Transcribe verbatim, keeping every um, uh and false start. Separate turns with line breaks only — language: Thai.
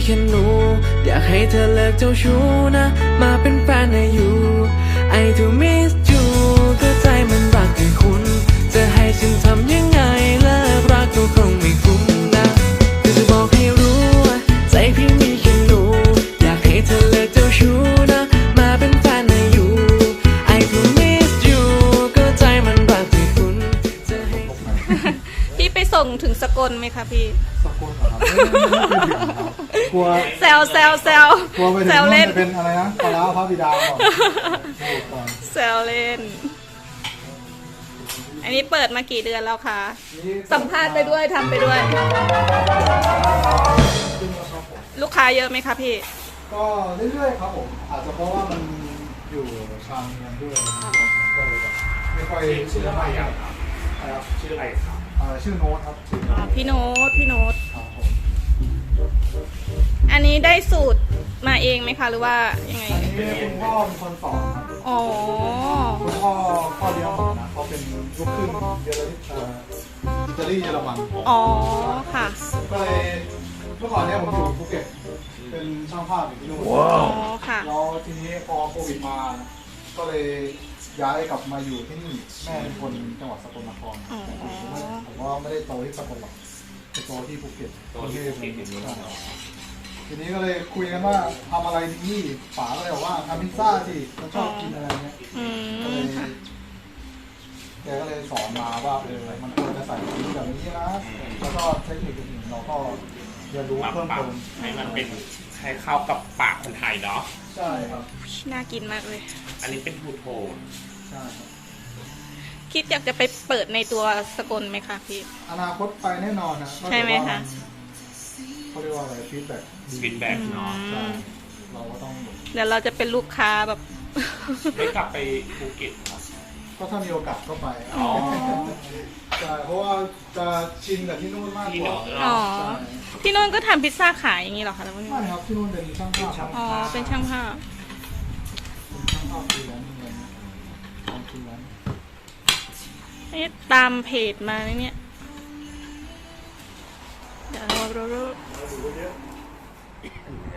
แค่หนูอยากให้เธอเลิกเจ้าชู้นะมาเป็นแฟนให้อยู่ I do miss you ก็ใจมันรักแค่คุณจะให้ฉันทำยังไงเลิกรักก็คงไม่คุ้มนะก็จะบอกให้รู้ว่าใจพี่มีแค่หนูอยากให้เธอเลิกเจ้าชู้นะมาเป็นแฟนให้อยู่ I do miss you ก็ใจมันรักแค่คุณจะให้
พี่ไปส่งถึงสกลไหมคะพี่
สกุลเหรอครับไม่ไม่ไม่เคยถึงครับกลัว
แซวแซวแซว
กลัวไปถึง
แซว
นู่
เล่
น
น
จะเป็นอะไรนะปลาร้าพระบิดาก่อนก่อน
แซวเล่น อันนี้เปิดมากี่เดือนแล้วคะ
นี่
สัมภาษณ์ไปด้วยทำไปด้วย ลูกค้าเยอะไหมคะพี่
ก็เรื่อยๆครับผมอาจจะเพราะว่ามันอยู่ชานเมืองด้วยก็เลยแบบไม่ค่อย
ชื่ออะไร
ค
อ่ะ
รับ
ชื่ออะไรครับ
อ่าชื่อโน้ตครับชื่อ
อ๋อพี่โน้ตพี่โน้ต
ครับผม
อันนี้ได้สูตรมาเองไหมคะหรือว่ายังไง
อันนี้คุณพ่อเป็นคนสอนครับ
อ๋อ
คุณพ่อพ่อเลี้ยงผมนะเขาเป็นลูกครึ่งเยอรมันเอ่ออิตาลีเยอรมัน
อ๋อค่ะ
ก็เลยเมื่อก่อนเนี่ยผมอยู่ภูเก็ตเป็นช่างภาพอยู่ที่นู่น
อ๋อค่ะ
แล้วทีนี้พอโควิดมา ก็เลยย้ายกลับมาอยู่ที่นี่แม่เป็นคนจังหวัดสกลนคร
อ๋อ
ผมว่าไม่ได้โตที่สกลหรอกไปโตที่ภูเก็ต
ตัวที่ภูเก็ตอยู่นี่
ทีนี้ก็เลยคุยกันว่าทำอะไรดีป๋าก็เลยบอกว่าทำพิซซ่าสิเขาชอบกินอะไรเงี้ย
อื
ก็เล
ม
ย
ค่ะ
แกก็เลยสอนมาว่าเออมันควรจะใส่สีแบบนี้นะแล้วก็เทคนิคอื่นๆเราก็เรียนรู้
ปรับ
เพิ่ม
ปรับ
เติม
ให้มันเป็นให้เข้ากับปากคนไทยเนาะ
ใช่ครับ
น่ากินมากเลย
อันนี้เป็นทูโทน
ใช่ครับ
คิดอยากจะไปเปิดในตัวสกลไหมคะพี่
อนาคตไปแน่นอนนะ
ใช่ไหมคะ
เขาเรียกว่าอะไรฟีดแบ็ก
ฟีดแบ็กเนาะ
ใช่เราก็ต้อง
เดี๋ยวเราจะเป็นลูกค้าแบบ
ไม่กลับไปภูเก็ตครับ
ก็ถ้ามีโอกาสก็ไป
อ๋อ
ใช่เพราะว่าจะชินกับที่นู่นมาก
ที่
ก
เน
ว่า
อะ
อ๋อ
ใช่
ที่นู่นก็ทำพิซซ่าขายอย่างนี้เหรอคะแล้ว
ไม่ครับที่นู่นเป็นช่างภาพครับ
อ๋อ เป็นช่างภาพ
เป็นช่างภาพฟรีแลนซ์เงินทำฟรีแลนซ์
นี่ตามเพจมาเนี่ย เดี๋ยวเราเราเรา